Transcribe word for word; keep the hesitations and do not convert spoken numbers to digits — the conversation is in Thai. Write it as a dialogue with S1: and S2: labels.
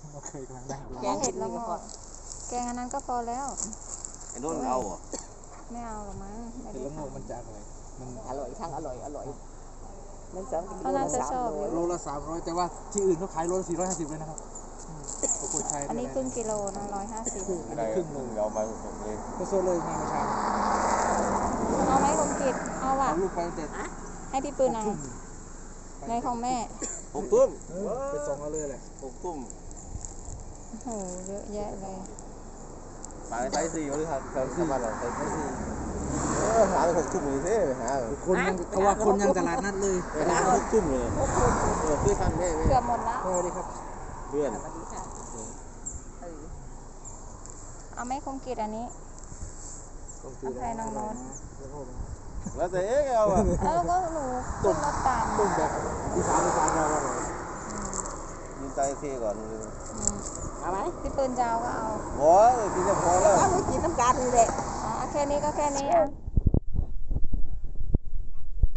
S1: โอเคกำลังนั่งดู
S2: แกงเห็ดละโงกแกงอันนั้นก็พอแล้ว
S3: ไอ้โน่นเอาอ่ะ
S2: ไม่เอาหรอกมั้งไม่
S1: เห็ด
S2: ได้
S1: ละโงกมันจะอร่อยมัน
S4: อร่อยทั้งอร่อยอร่อยมันสองกิโล
S2: เขาน่าจะชอบ
S1: โลละสามร้อยแต่ว่าที่อื่นเขาขายโลละสี่ร้อยห้าสิบเลยนะครับปรากฏชัย
S2: อันนี้ครึ่งกิโลนะร้อยห้าสิบ
S1: อันนี้ครึ่งหนึ่ง
S3: เอามาสดเลย
S1: ก็โซเลยมาเมื่อเช้า
S2: เอาไหมคมกิดเอาว่ะ
S1: เอาลูกไปแต่
S2: ให้พี่ปืนเอาในของแม่
S3: หกตุ้ม
S1: ไปส่งเอาเลยแหละ
S3: หกตุ้ม
S2: โอ้โหเยอะแยะเลย
S3: ปลาไซส์สี่หรือครับไซส์สี่ไซส์สี่เออหาหกตุ้มเลยสิหา
S1: คนยังเขาว่าคนยังตลาดนัดเลย
S3: หาหกตุ้มเลยเออซื้อทันแม่แม่
S2: เกือบหมดแล้ว
S1: สวัสดีครับ
S3: เพื่อน
S4: สวัสดีค่ะเออ
S2: เอาไหมคมกิดอันนี้ เอาใครน้องโน้ต
S3: แล้วแต่เอ๊ะเอาอ่ะ
S2: แล้วก็หนูขึ้นรถตาม
S1: ต้มแบบอีสานอีสานเราอร่อย
S3: ยืนใจเท่ก่อน
S2: อืม
S4: เอาไหม
S2: พี่ปืนจะเอาก็เอา
S3: โอ้ยกินจะพอแล้ว
S4: เอาไว้กินน้ำกันนี่แหละ
S2: อ๋อแค่นี้ก็แค่นี้อ่ะ